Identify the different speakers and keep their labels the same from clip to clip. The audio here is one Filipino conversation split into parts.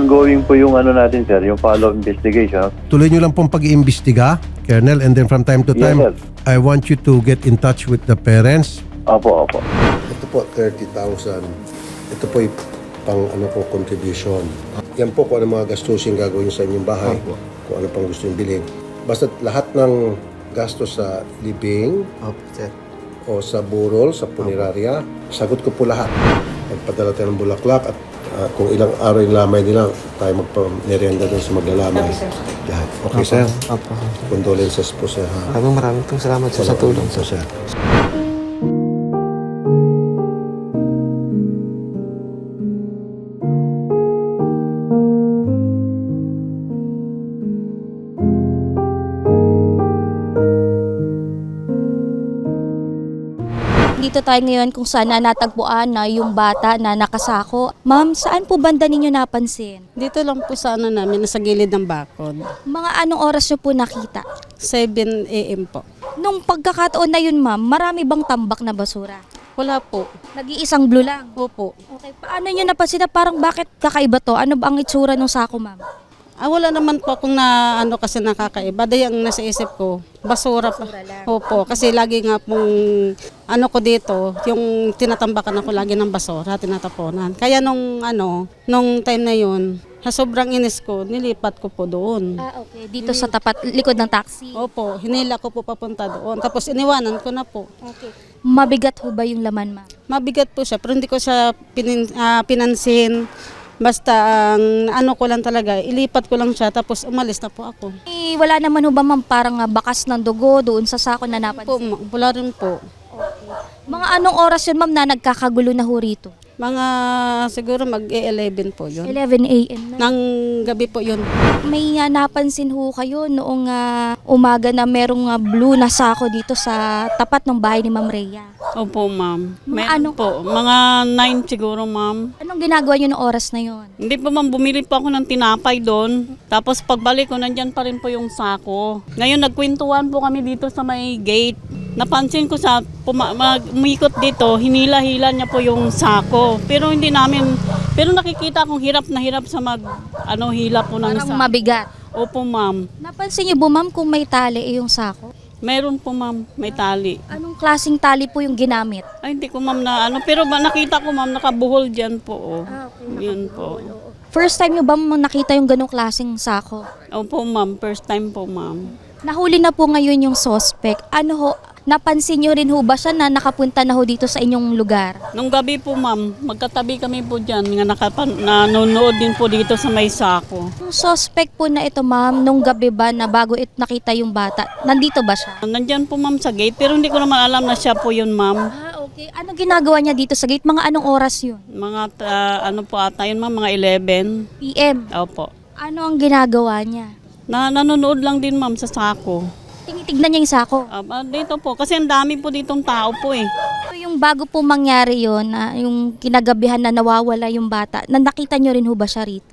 Speaker 1: ongoing po yung ano natin, sir, yung follow-up investigation.
Speaker 2: Tuloy nyo lang pong pag-iimbestiga, Colonel, and then from time to time,
Speaker 1: Yes, sir.
Speaker 2: I want you to get in touch with the parents.
Speaker 1: Opo, opo.
Speaker 2: Ito po, 30,000. Ito po yung pang ano po, contribution. Yan po kung ano mga gastusin gagawin sa inyong bahay, kung ano pang gusto yung bilhin. Basta lahat ng gastos sa living,
Speaker 3: Sir.
Speaker 2: o sa burol, sa punerarya, sagot ko po lahat. Magpadala tayo ng bulaklak at kung ilang araw yung lamay nila, tayo magpa-merienda doon sa maglalamay. Lahat. Okay, sir?
Speaker 3: Opo.
Speaker 2: Condolences po, sir. Ha?
Speaker 3: Maraming pong salamat sa tulong.
Speaker 2: So, sir.
Speaker 4: Dito tayo ngayon kung saan na natagpuan na yung bata na nakasako. Ma'am, saan po banda ninyo napansin?
Speaker 5: Dito lang po sa ano namin, nasa gilid ng bakod.
Speaker 4: Mga anong oras nyo po nakita?
Speaker 5: 7 a.m. po.
Speaker 4: Nung pagkakataon na yun, ma'am, marami bang tambak na basura?
Speaker 5: Wala po.
Speaker 4: Nag-iisang blue lang.
Speaker 5: Opo.
Speaker 4: Okay, paano nyo napansin na parang bakit kakaiba to? Ano ba ang itsura ng sako, ma'am?
Speaker 5: Wala naman po akong na ano kasi nakakaiba. Dahil ang nasa isip ko, basura pa. Opo, kasi lagi nga pong ano ko dito, yung tinatambakan ako lagi ng basura, tinataponan. Kaya nung time na yun, sa sobrang inis ko, nilipat ko po doon.
Speaker 4: Okay. Dito sa tapat, likod ng taxi.
Speaker 5: Opo, hinila ko po papunta doon. Tapos iniwanan ko na po.
Speaker 4: Okay. Mabigat ho ba yung laman, ma'am?
Speaker 5: Mabigat po siya, pero hindi ko siya pinansin. Basta ang ano ko lang talaga, ilipat ko lang siya tapos umalis na po ako.
Speaker 4: Wala naman ho ba, ma'am, parang bakas ng dugo doon sa sako na
Speaker 5: Po,
Speaker 4: napansin?
Speaker 5: wala rin po.
Speaker 4: Mga anong oras yun, ma'am, na nagkakagulo na ho rito?
Speaker 5: Mga siguro mag-11 po yun.
Speaker 4: 11 a.m. na.
Speaker 5: Nang gabi po yun.
Speaker 4: May napansin ho kayo noong umaga na merong blue na sako dito sa tapat ng bahay ni Ma'am Rhea.
Speaker 5: Opo, ma'am.
Speaker 4: Mga ano?
Speaker 5: Po, mga 9 siguro, ma'am.
Speaker 4: Anong ginagawa niyo noong oras na yon?
Speaker 5: Hindi po, ma'am, bumili po ako ng tinapay doon. Tapos pagbalik ko, nandyan pa rin po yung sako. Ngayon, nagkwentuhan po kami dito sa may gate. Napansin ko sa umikot dito, hinila-hila niya po yung sako. Pero hindi namin, pero nakikita kong hirap na hirap sa hila po ng
Speaker 4: Parang
Speaker 5: sako.
Speaker 4: mabigat.
Speaker 5: Opo, ma'am.
Speaker 4: Napansin niyo po, ma'am, kung may tali yung sako?
Speaker 5: Meron po, ma'am, may tali.
Speaker 4: Anong klaseng tali po yung ginamit?
Speaker 5: Ay, hindi ko, ma'am, na pero nakita ko, ma'am, nakabuhol dyan po. Oh.
Speaker 4: Okay,
Speaker 5: Yun po.
Speaker 4: First time niyo ba nakita yung ganong klaseng sako?
Speaker 5: Opo, ma'am, first time po, ma'am.
Speaker 4: Nahuli na po ngayon yung suspect. Ano ho, napansin niyo rin ho ba siya na nakapunta na ho dito sa inyong lugar?
Speaker 5: Nung gabi po, ma'am, magkatabi kami po dyan. Nanonood din po dito sa may sako.
Speaker 4: Yung suspect po na ito, ma'am, nung gabi ba na bago nakita yung bata, nandito ba siya?
Speaker 5: Nandyan po, ma'am, sa gate. Pero hindi ko naman alam na siya po yun, ma'am.
Speaker 4: Okay. Ano ginagawa niya dito sa gate? Mga anong oras yun?
Speaker 5: Mga, ano po ata yun, ma'am, mga 11.
Speaker 4: PM.
Speaker 5: Opo.
Speaker 4: Ano ang ginagawa niya?
Speaker 5: Nanonood lang din, ma'am, sa sako.
Speaker 4: Tinitignan niya yung sako.
Speaker 5: Dito po, kasi ang dami po ditong tao po eh.
Speaker 4: So, yung bago po mangyari yon, na yung kinagabihan na nawawala yung bata, nakita niyo rin ho ba siya rito?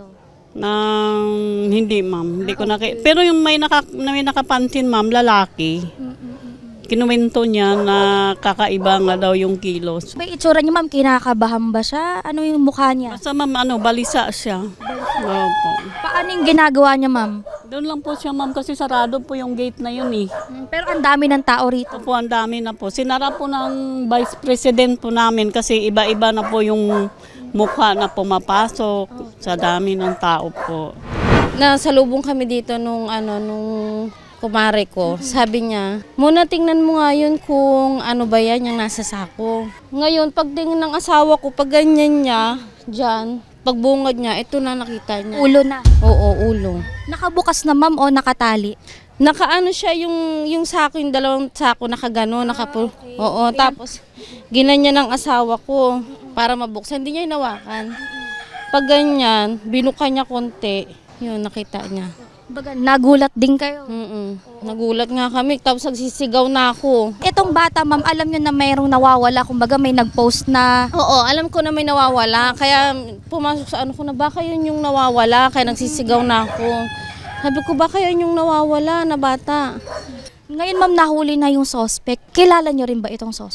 Speaker 5: Hindi, ma'am. Hindi ko pero yung may nakapansin, ma'am, lalaki. Kinuwento niya na kakaiba nga daw yung kilos.
Speaker 4: May itsura niya, ma'am, kinakabahan ba siya? Ano yung mukha niya?
Speaker 5: Basta, ma'am, balisa siya. Opo.
Speaker 4: Paano yung ginagawa niya, ma'am?
Speaker 5: Doon lang po siya, ma'am, kasi sarado po yung gate na yun eh.
Speaker 4: Pero ang dami ng tao rito.
Speaker 5: Opo, ang dami na po. Sinara po ng Vice President po namin kasi iba-iba na po yung mukha na pumapasok sa dami ng tao po.
Speaker 6: Nasalubong kami dito nung kumare ko. Sabi niya, muna tingnan mo nga yun kung ano ba yan yung nasa sako. Ngayon, pagtingin ng asawa ko, pag ganyan niya, dyan, pagbungad niya, ito na nakita niya.
Speaker 4: Ulo na.
Speaker 6: Oo, ulo.
Speaker 4: Nakabukas na, ma'am, o nakatali?
Speaker 6: Nakaano siya yung sako, yung dalawang sako nakagano,
Speaker 4: Okay.
Speaker 6: Oo, tapos ginanya ng asawa ko para mabuksan. Hindi niya hinawakan. Pag ganyan, binuka niya konti, yun, nakita niya.
Speaker 4: Baga, nagulat din kayo.
Speaker 6: Nagulat nga kami, tapos nagsisigaw na ako.
Speaker 4: Itong bata, ma'am, alam nyo na mayroong nawawala. Kumbaga may nag-post na.
Speaker 6: Oo, alam ko na may nawawala, kaya pumasok sa ano ko na baka yun yung nawawala, kaya nagsisigaw na ako. Sabi ko baka yun yung nawawala na bata.
Speaker 4: Ngayon, ma'am, nahuli na yung suspect. Kilala nyo rin ba itong suspect?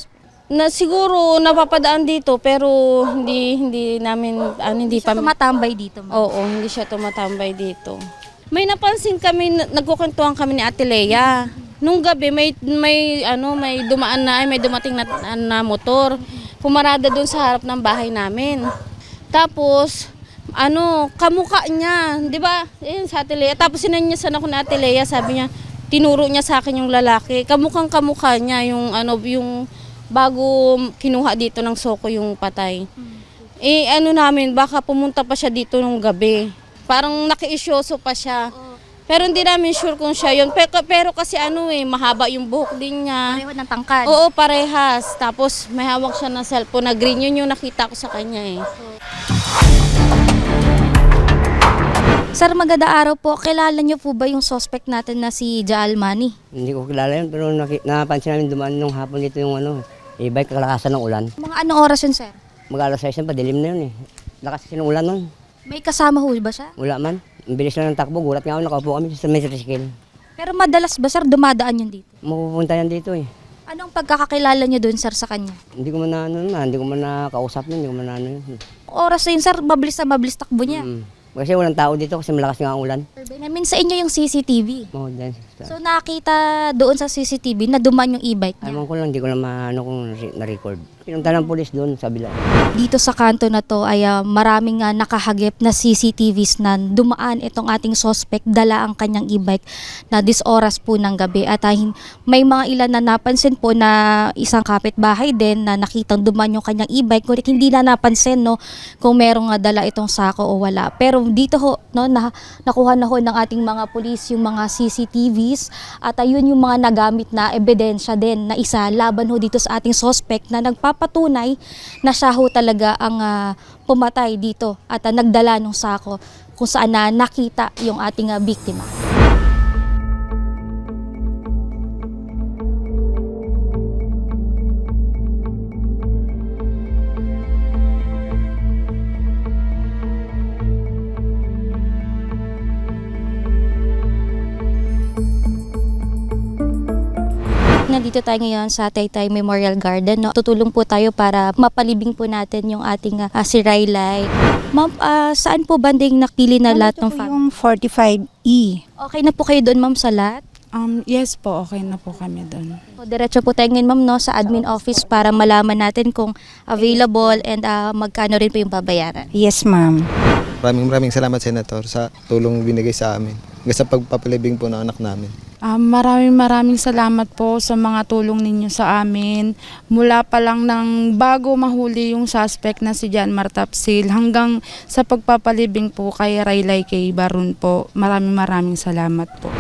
Speaker 6: Na siguro napapadaan dito pero hindi namin hindi
Speaker 4: Siya
Speaker 6: pa
Speaker 4: tumatambay dito, ma'am.
Speaker 6: Oo, hindi siya tumatambay dito. May napansin kami, nagkukwentuhan kami ni Ate Lea. Nung gabi may dumating na motor. Pumarada doon sa harap ng bahay namin. Tapos kamukha niya, 'di ba? Ayun sa Ate Lea. Tapos sinanyasan ako ni Ate Lea, sabi niya, tinuro niya sa akin yung lalaki. Kamukha niya yung yung bago kinuha dito ng Soko yung patay. Namin, baka pumunta pa siya dito nung gabi. Parang nakiisyoso pa siya. Pero hindi namin sure kung siya yun. Pero kasi mahaba yung buhok din niya.
Speaker 4: Pareho ng tangkad.
Speaker 6: Oo, parehas. Tapos may hawak siya ng cellphone na green. Yun yung nakita ko sa kanya
Speaker 4: Sir, maganda araw po. Kilala niyo po ba yung suspect natin na si Jaal Mani?
Speaker 3: Hindi ko kilala yun, pero napansin namin dumaan nung hapon dito yung e-bike, kalakasan ng ulan.
Speaker 4: Mga anong oras yun, sir?
Speaker 3: Mag-alas 6 pa, dilim na yun eh. Lakas kasi ng ulan nun.
Speaker 4: May kasama ho ba siya?
Speaker 3: Wala man. Ang bilis na ng takbo, gulat nga ako, nakaupo kami sa may tricycle.
Speaker 4: Pero madalas ba, sir, dumadaan yun dito?
Speaker 3: Mapupunta yan dito eh.
Speaker 4: Anong pagkakakilala niyo doon, sir, sa kanya?
Speaker 3: Hindi ko man hindi ko man nakausap yun, hindi ko man yun.
Speaker 4: Oras na yun, sir, mabilis takbo niya.
Speaker 3: Kasi walang tao dito kasi malakas nga ang ulan.
Speaker 4: Sir, namin sa inyo yung CCTV.
Speaker 3: Then,
Speaker 4: So nakita doon sa CCTV na dumaan yung e-bike niya.
Speaker 3: alam ko lang, hindi ko lang kung na-record. Pinunta ng polis doon sa bila.
Speaker 4: Dito sa kanto na to ay maraming nakahagip na CCTVs na dumaan itong ating suspect, dala ang kanyang e-bike na this oras po ng gabi. At may mga ilan na napansin po na isang kapitbahay din na nakitang dumaan yung kanyang e-bike. Ngunit hindi na napansin kung merong dala itong sako o wala. Pero dito nakuha na ho ng ating mga pulis yung mga CCTVs at ayun yung mga nagamit na ebidensya din na isa laban ho dito sa ating suspect na nagpapatunay na siya ho talaga ang pumatay dito at nagdala ng sako kung saan nakita yung ating biktima. Nandito tayo ngayon sa Taytay Memorial Garden. Tutulong po tayo para mapalibing po natin yung ating si Raylay. Ma'am, saan po banding nakili na lahat ng
Speaker 7: Ito po
Speaker 4: family?
Speaker 7: yung 45E.
Speaker 4: Okay na po kayo doon, ma'am, sa lahat?
Speaker 7: Yes po, okay na po kami doon.
Speaker 4: So, diretso po tayo ngayon, ma'am, sa admin office para malaman natin kung available and magkano rin po yung babayaran.
Speaker 7: Yes, ma'am.
Speaker 8: Maraming salamat, Senator, sa tulong binigay sa amin. Hanggang sa pagpapalibing po ng anak namin.
Speaker 7: Maraming salamat po sa mga tulong ninyo sa amin. Mula pa lang ng bago mahuli yung suspect na si John Martapsil hanggang sa pagpapalibing po kay Raylay K. Barun po. Maraming salamat po.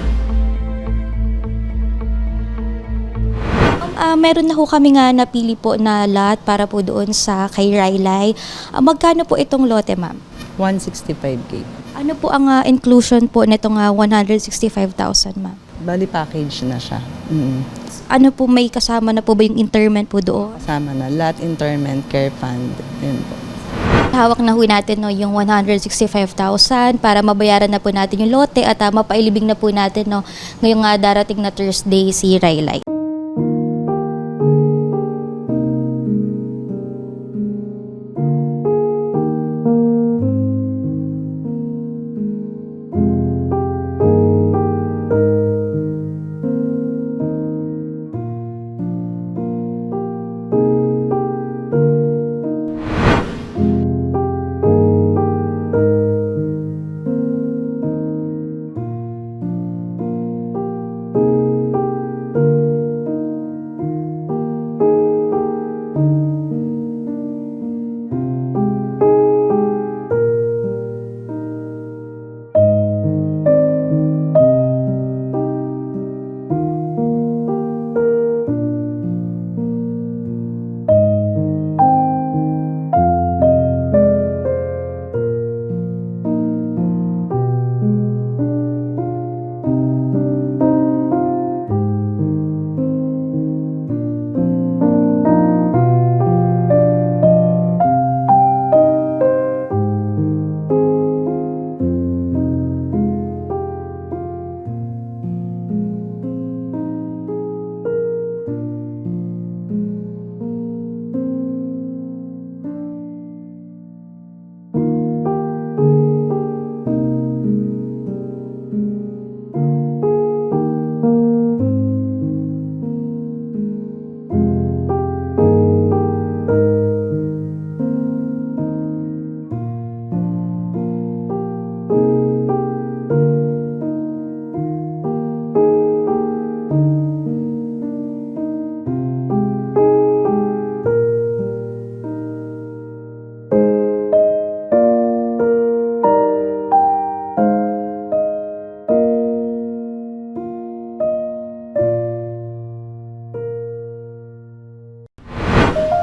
Speaker 4: Meron na ho kami nga napili po na lot para po doon sa kay Raylay. Magkano po itong lote, ma'am?
Speaker 9: 165K.
Speaker 4: Ano po ang inclusion po nitong 165,000, ma'am?
Speaker 9: Bali package na siya.
Speaker 4: Ano po, may kasama na po ba yung interment po doon?
Speaker 9: Kasama na lot interment, care fund, yun po.
Speaker 4: Hawak na ho natin yung 165,000 para mabayaran na po natin yung lote at mapailibing na po natin ngayong darating na Thursday si Raylay.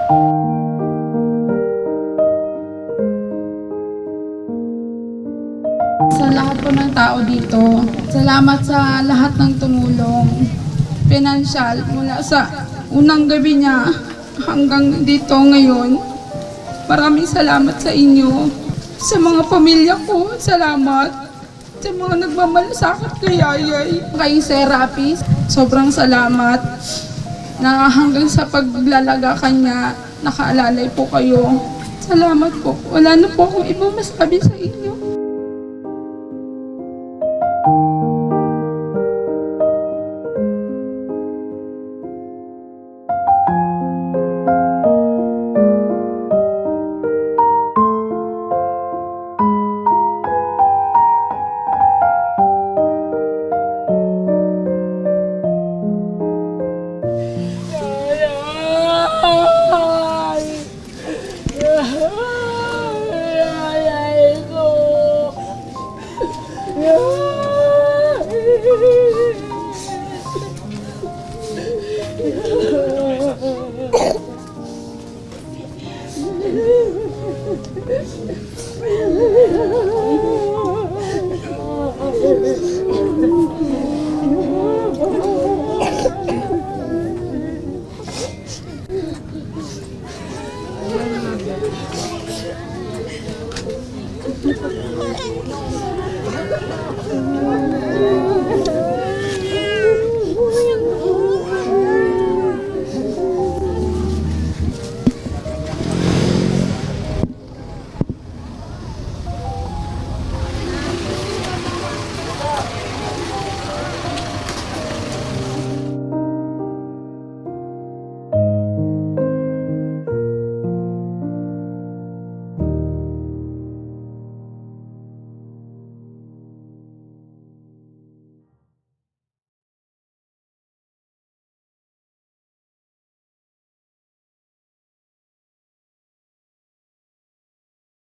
Speaker 7: Sa lahat po ng tao dito, salamat sa lahat ng tumulong. Financial, mula sa unang gabi niya hanggang dito ngayon. Maraming salamat sa inyo. Sa mga pamilya ko, salamat. Sa mga nagmamalasakit kay Yayay, kay Serapis, sobrang salamat na hanggang sa paglalaga kanya, nakaalalay po kayo. Salamat po. Wala na po akong ibang masabi sa inyo.